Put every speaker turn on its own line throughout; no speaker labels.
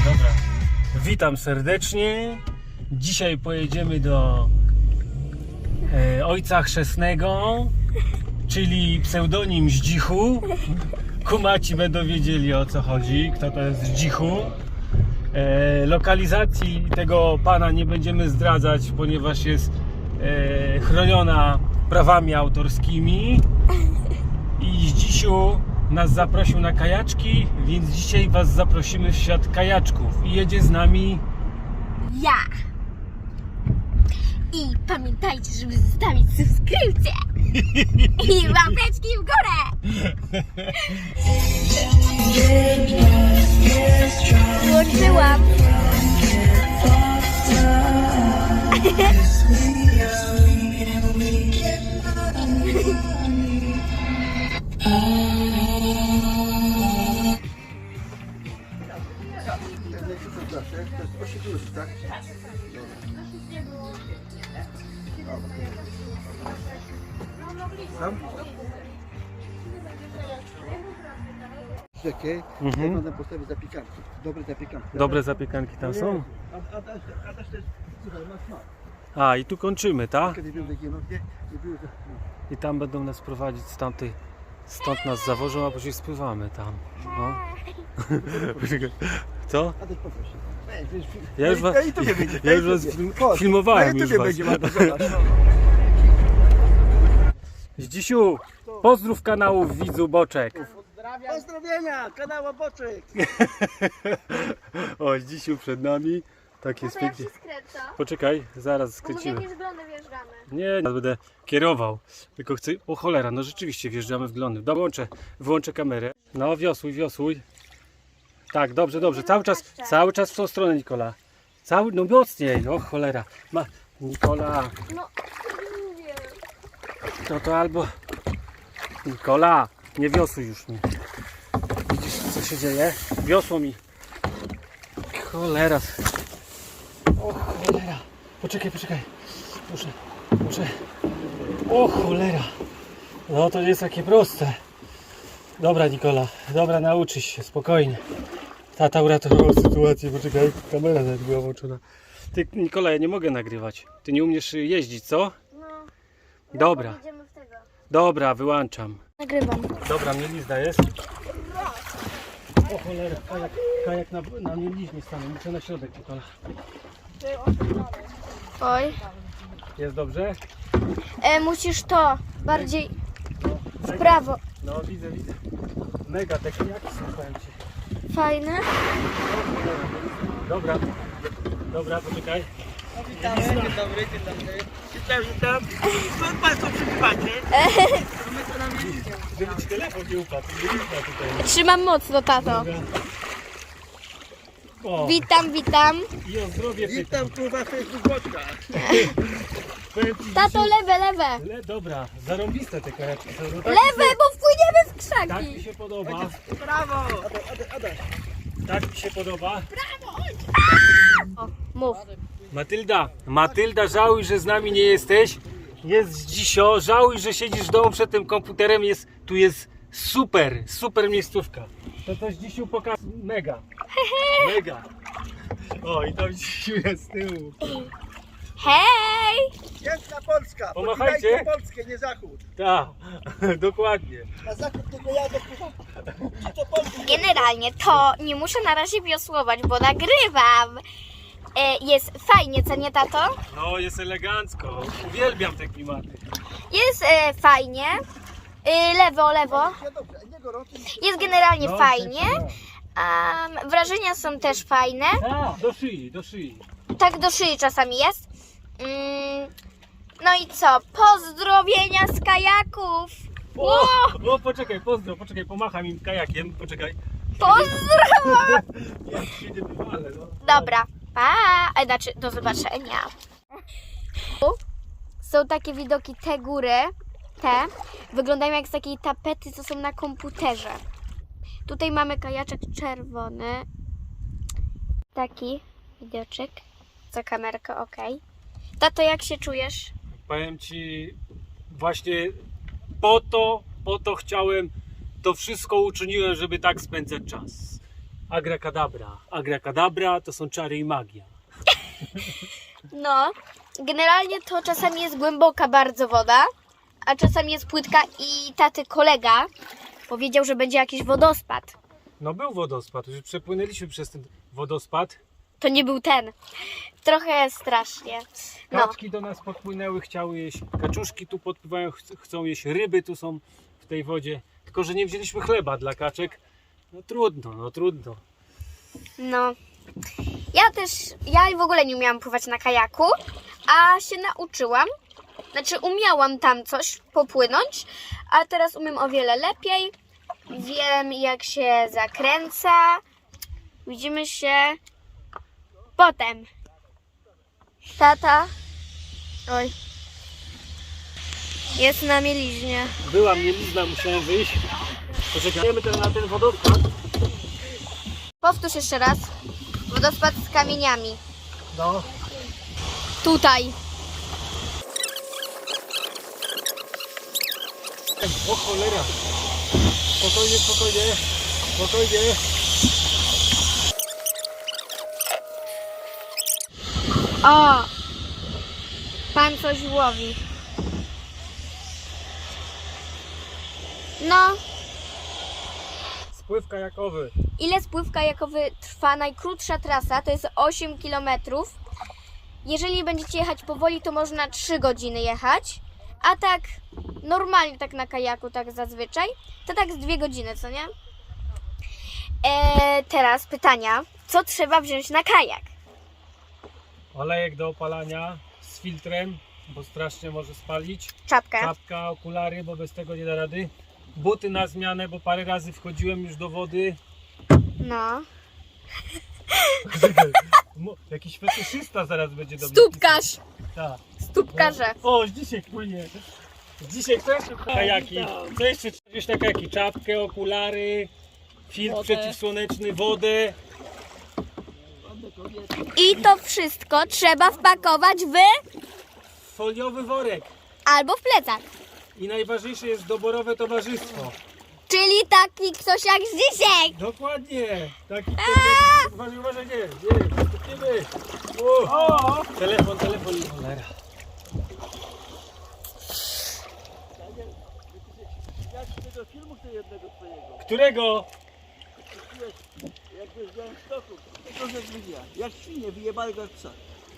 Dobra. Witam serdecznie. Dzisiaj pojedziemy do ojca chrzestnego, czyli pseudonim Zdzichu. Kumaci będą wiedzieli, o co chodzi, kto to jest Zdzichu. Lokalizacji tego pana nie będziemy zdradzać, ponieważ jest chroniona prawami autorskimi. I Zdzisiu nas zaprosił na kajaczki, więc dzisiaj was zaprosimy w świat kajaczków. I jedzie z nami
ja. I pamiętajcie, żeby zostawić subskrypcję i łapeczki w górę. Włączyłam.
To jest 8 plus, tak? Tam? Okej, jak można postawić zapiekanki. Dobre zapiekanki.
dobre zapiekanki tam są.
A też to jest, słuchaj, masz smak.
A i tu kończymy, tak?
Kiedy były takie nockie, nie były
I tam będą nas prowadzić z tamtej. Stąd nas zawożą, a później spływamy tam. No. Co?
A też poproszę.
Ja już was, ja już was filmowałem. Już was.
Będzie, Marta, zobacz.
Zdzisiu, pozdrów kanałów widzu Boczek.
Pozdrowienia, kanał Boczek.
O, Zdzisiu przed nami. Tak jest pięknie.
skręca.
Poczekaj, zaraz skręcimy.
z glony wjeżdżamy.
Nie, ja będę kierował. Tylko chcę. O cholera, no rzeczywiście wjeżdżamy w glony. Dobra, wyłączę kamerę. No, wiosłuj. Tak, dobrze. Cały czas w tą stronę, Nikola. No mocniej, o cholera. Nikola,
No, mówię.
to albo... Nikola, nie wiosłuj już mi. Widzisz, co się dzieje? Wiosło mi. Cholera. O cholera. Poczekaj. Muszę. O cholera. No to nie jest takie proste. Dobra, Nikola. Dobra, nauczysz się, spokojnie. Tata uratował sytuację, poczekaj. Kamera nawet była włączona. Ty, Nikola, ja nie mogę nagrywać. Ty nie umiesz jeździć, co?
No.
Dobra.
Idziemy w tego.
Dobra, wyłączam.
Nagrywam.
Dobra, mielizna jest. O cholera, kajak na mieliźnie stanął. Muszę na środek, Nikola.
Oj.
Jest dobrze?
Musisz to bardziej w prawo.
No, widzę. Mega, te kajaki są, powiem ci.
Fajne.
Dobra, poczekaj.
Dzień dobry. Witam. Skąd Państwo przybywacie?
Żeby ci telefon nie upadł. Tutaj.
Trzymam mocno, tato.
O,
Witam.
i o zdrowie
Witam kurwa Facebook Boczka.
Powiem ci,
Tato, lewe.
dobra, zarąbiste te kajaki są. No, tak,
Lewe, bo wpłyniemy w
tak mi
krzaki.
się podoba.
Brawo! Adaś.
Tak mi się podoba.
Mów.
Matylda, żałuj, że z nami nie jesteś. Jest dzisio, żałuj, że siedzisz w domu przed tym komputerem. Tu jest super miejscówka. To dzisiu pokaż. Mega. O, i tam dzisiu jest z tyłu.
Hej!
Piękna Polska.
Pomachajcie.
Podziwiajcie Polskę, nie Zachód.
Tak, dokładnie.
Na Zachód tylko ja dopływam. Czy to Polska?
Generalnie to nie muszę na razie wiosłować, bo nagrywam. Jest fajnie, co nie, tato?
No, jest elegancko. Uwielbiam te klimaty.
Jest fajnie. Lewo.
Nie dobrze, nie gorąco.
Jest generalnie
No,
fajnie. Wrażenia są też fajne.
A, do szyi.
Tak do szyi czasami jest. No i co? Pozdrowienia z kajaków.
O, poczekaj, pomacham im kajakiem, poczekaj.
Pozdro!
Ja się nie wywalę, no.
Dobra, pa! Znaczy, do zobaczenia. Są takie widoki, te góry, wyglądają jak z takiej tapety, co są na komputerze. Tutaj mamy kajaczek czerwony. Taki widoczek. Za kamerkę, ok. Tato, jak się czujesz?
Powiem ci, właśnie po to chciałem, to wszystko uczyniłem, żeby tak spędzać czas. Agrakadabra. Agrakadabra to są czary i magia.
No, generalnie to czasami jest głęboka bardzo woda, a czasami jest płytka i taty kolega powiedział, że będzie jakiś wodospad.
No był wodospad, już przepłynęliśmy przez ten wodospad.
To nie był ten. Trochę strasznie. No,
Kaczki do nas podpłynęły, chciały jeść. Kaczuszki tu podpływają, chcą jeść. Ryby tu są w tej wodzie. Tylko, że nie wzięliśmy chleba dla kaczek. No trudno, no trudno.
no. Ja w ogóle nie umiałam pływać na kajaku, a się nauczyłam. Znaczy umiałam tam coś popłynąć, a teraz umiem o wiele lepiej. Wiem, jak się zakręca. Widzimy się potem. Tata. Oj. Jest na mieliźnie.
Była mielizna, musiałem wyjść. Poczekajmy teraz na ten wodospad.
Powtórz jeszcze raz. Wodospad z kamieniami.
No.
Tutaj.
O cholera. Spokojnie, spokojnie. Spokojnie.
O! Pan coś łowi. No,
Spływ kajakowy.
ile spływ kajakowy trwa? Najkrótsza trasa to jest 8 km. Jeżeli będziecie jechać powoli, to można 3 godziny jechać. A tak normalnie, tak na kajaku, tak zazwyczaj, to tak z 2 godziny, co nie? Teraz pytania. Co trzeba wziąć na kajak?
Olejek do opalania z filtrem, bo strasznie może spalić.
Czapkę.
Czapka, okulary, bo bez tego nie da rady. Buty na zmianę, bo parę razy wchodziłem już do wody.
No.
Jakiś fetyszysta zaraz będzie do mnie
Stópkarz.
pisał. Tak.
Stópkarze.
O, dzisiaj płynie. Dzisiaj kto jeszcze kajaki? Co jeszcze trzeba wziąć na kajaki? Czapkę, okulary, filtr przeciwsłoneczny, wodę.
I to wszystko trzeba wpakować
Foliowy worek.
albo w plecak.
I najważniejsze jest doborowe towarzystwo.
Czyli taki ktoś jak Zdzisiek.
Dokładnie. Taki uważaj, uważaj, nie, stopniemy. O! Telefon i cholera.
Jak się do filmu chcę jednego twojego.
Którego?
Jak byś w stoku, tego że wyjdzie. Jak świnie, wyjebali go jak psa.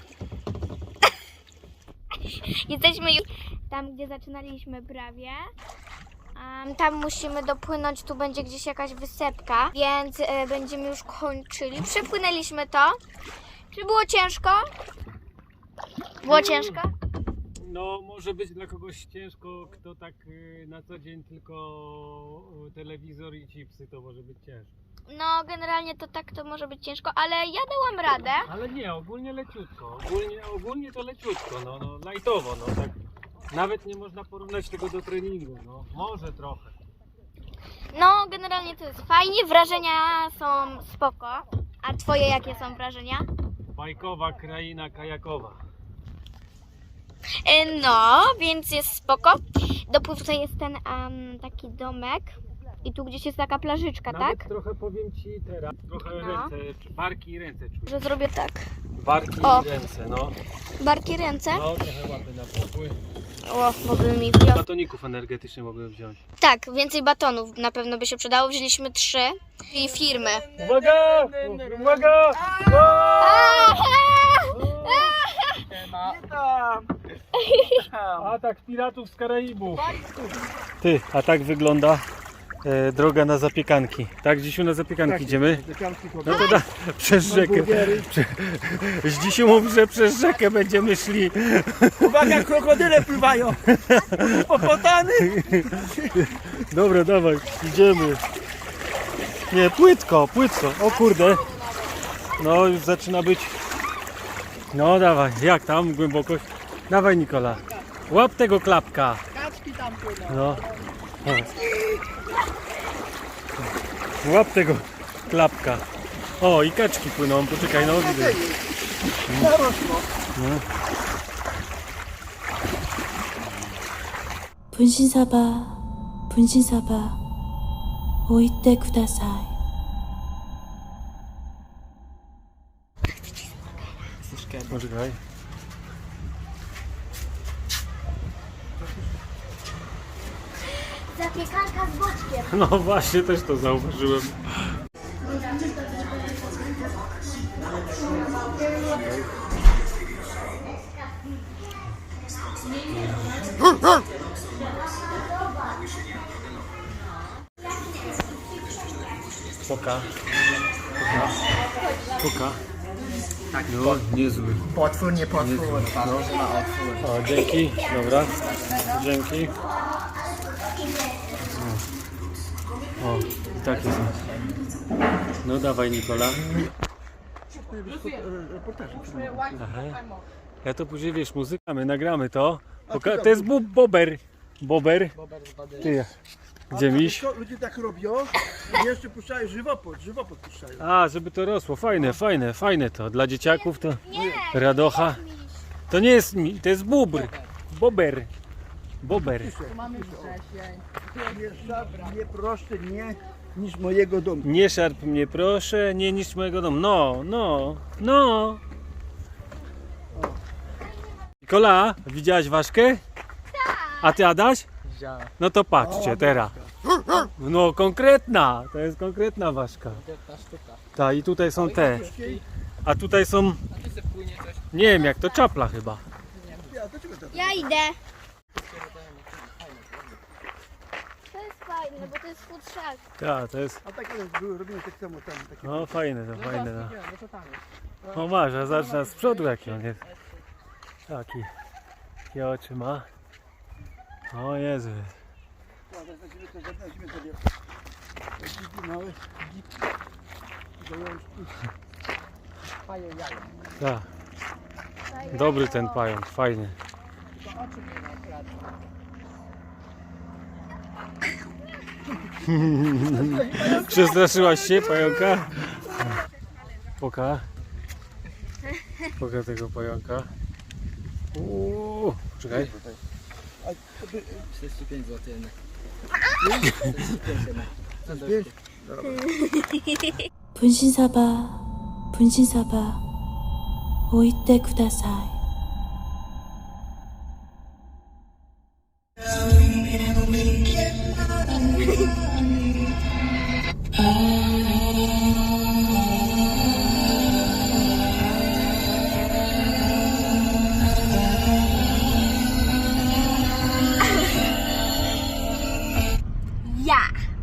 Jesteśmy już tam, gdzie zaczynaliśmy prawie. Tam musimy dopłynąć, tu będzie gdzieś jakaś wysepka, więc będziemy już kończyli. Przepłynęliśmy to. Czy było ciężko? Było ciężko?
No może być dla kogoś ciężko, kto tak na co dzień tylko telewizor i chipsy, to może być ciężko.
No, generalnie to tak to może być ciężko, ale ja dałam radę.
Ale nie, ogólnie leciutko. Ogólnie to leciutko, no lajtowo, no tak. Nawet nie można porównać tego do treningu, no może trochę.
No, generalnie to jest fajnie, wrażenia są spoko. A twoje jakie są wrażenia?
Bajkowa kraina kajakowa.
No, więc jest spoko. Dopływ tutaj jest ten taki domek i tu gdzieś jest taka plażyczka,
Nawet
tak?
trochę powiem ci teraz, trochę
No.
barki i ręce czuję.
Że zrobię tak.
Barki
O.
i ręce, no.
Barki, ręce.
No, trochę łapy na pokój.
O, mogły mi wziąć.
Batoników energetycznych mogłem wziąć.
Tak, więcej batonów na pewno by się przydało. Wzięliśmy 3 i firmy.
Uwaga! Uwaga!
Nie tam.
Atak piratów z Karaibów. Ty, a tak wygląda droga na zapiekanki. Tak, Dzisiu, na zapiekanki idziemy? No to przez rzekę. Dzisiu mówi, że przez rzekę będziemy szli.
Uwaga, krokodyle pływają. Popotany.
Dobra, dawaj, idziemy. Nie, płytko. O kurde. No, już zaczyna być. No, dawaj, jak tam głębokość? Dawaj, Nikola. Łap tego klapka.
Kaczki tam płyną.
No. Łap tego klapka. O, i kaczki płyną, poczekaj, no widzę.
Zarosło.
분신사바, 분신사바, 오이때 구다사이.
Jesteś kebab.
Poczekaj.
Zapiekanka z boczkiem.
No właśnie, też to zauważyłem. Poka. Poka.
Tak,
No, niezły.
potwór, nie potwór. No.
O, dzięki, dobra. Dzięki. O, i takie są. No dawaj, Nikola. Aha. Ja to później, wiesz, muzyka, my nagramy to. To jest bober. Bober. Ty, gdzie miś?
Co ludzie tak robią i jeszcze puszczają żywopłot puszczają.
A, żeby to rosło. Fajne, fajne, fajne to. Dla dzieciaków to radocha. To nie jest to jest bóbr. Bober. Bober.
Nie szarp, nie proszę, nie niż mojego domu.
Nie szarp mnie, proszę, nie niszcz mojego domu. No, no, no. Nikola, widziałaś ważkę? A ty, Adaś? No to patrzcie teraz. No konkretna, to jest konkretna ważka. Tak, i tutaj są te. A tutaj są, nie wiem jak to, czapla chyba.
Ja idę. To jest fajne, bo to jest futrzak.
Tak, to jest,
A tak ale były robione tak samo tam. Takie...
no fajne to, fajne no. O masz, a zacznę z przodu jaki on jest. Taki, jakie oczy ma. O Jezu.
Weźmiemy sobie dziki małe, dziki, zajączki.
Tak. Dobry ten pająk, fajny. Przestraszyłaś się pająka? Poka. Poka tego pająka. Czekaj.
45 zł.
분신사바, 분신사바, 오이떼 구다사이.
Ja.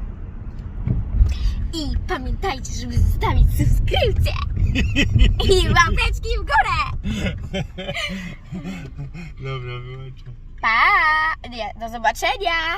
I pamiętajcie, żeby zostawić subskrypcję. I łapeczki w górę.
Dobra, wyłączam.
Pa! Nie, do zobaczenia.